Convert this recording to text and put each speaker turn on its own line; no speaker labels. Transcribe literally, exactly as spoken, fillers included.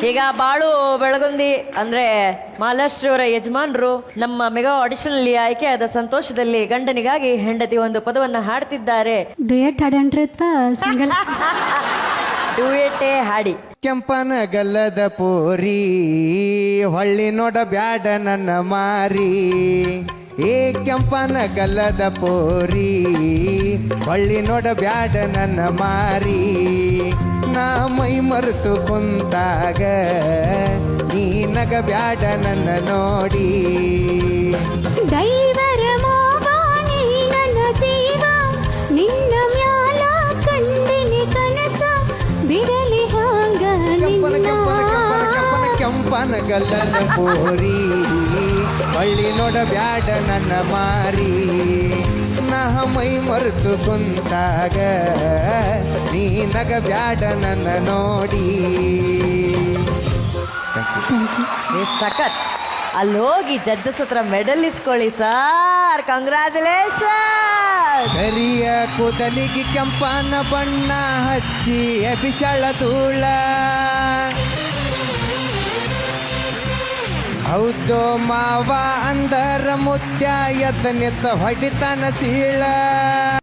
ಈಗ ಬಾಳು ಬೆಳಗುಂದಿ ಅಂದ್ರೆ ಮಹಾಲಕ್ಷ್ಮಿಯವರ ಯಜಮಾನರು ನಮ್ಮ ಮೆಗಾ ಆಡಿಷನ್ ಅಲ್ಲಿ ಆಯ್ಕೆಯಾದ ಸಂತೋಷದಲ್ಲಿ ಗಂಡನಿಗಾಗಿ ಹೆಂಡತಿ ಒಂದು ಪದವನ್ನ ಹಾಡ್ತಿದ್ದಾರೆ.
ಡುಯೆಟ್ ಹಾಡನ್ರಿ ಸಿಂಗಲ್
ಡುಯೆಟೇ ಹಾಡಿ.
ಕೆಂಪನ ಗಲ್ಲದ ಪೋರಿ ಹೊಳ್ಳಿ ನೋಡ ಬ್ಯಾಡ ನನ್ನ ಮಾರಿ, ಏ ಕೆಂಪನ ಗಲ್ಲದ ಪೋರಿ ಹೊಳ್ಳಿ ನೋಡ ಬ್ಯಾಡ ನನ್ನ ಮಾರಿ, ನಾ ಮೈ ಮರೆತು ಕುಂತಾಗ ನೀ ನಗ ಬ್ಯಾಡ ನನ್ನ ನೋಡಿ.
ದೈವರ ಮೋಹ ನೀ ನನ್ನ ಜೀವ, ನಿನ್ನ ಮ್ಯಾಲ ಕಂಡಿನಿ ಕನಸ, ಬಿಡಲಿ ಹಾಂಗ
ಕೆಂಪನ ಕೆಂಪನ ಕೆಂಪನ ಕೆಂಪನ ಕೆಂಪನ ಗಲ್ಲದ ಪೋರಿ ಹೊಳ್ಳಿ ನೋಡ ಬ್ಯಾಡ ನನ್ನ ಮಾರಿ, ನಾ ಮೈ ಮರೆತು ಕುಂತಾಗ ನೀ ನಗ ಬ್ಯಾಡ ನನ್ನ ನೋಡಿ.
ಏ ಸಖತ್. ಅಲ್ಲಿ ಹೋಗಿ ಜಡ್ಜಸ್ ಹತ್ರ ಮೆಡಲ್ ಇಸ್ಕೊಳ್ಳಿ ಸರ್. ಕಂಗ್ರ್ಯಾಚುಲೇಷನ್.
ಕರಿಯ ಕೂದಲಿಗೆ ಕೆಂಪನ ಬಣ್ಣ ಹಚ್ಚಿ ಬಿಸಳ ಧೂಳ, ಹೌದು ಮಾವ ಅಂದರ ಮುತ್ಯ ಎದ್ದ ನಿತ್ತ ಹೊಡಿತಾನ ಸೀಳ.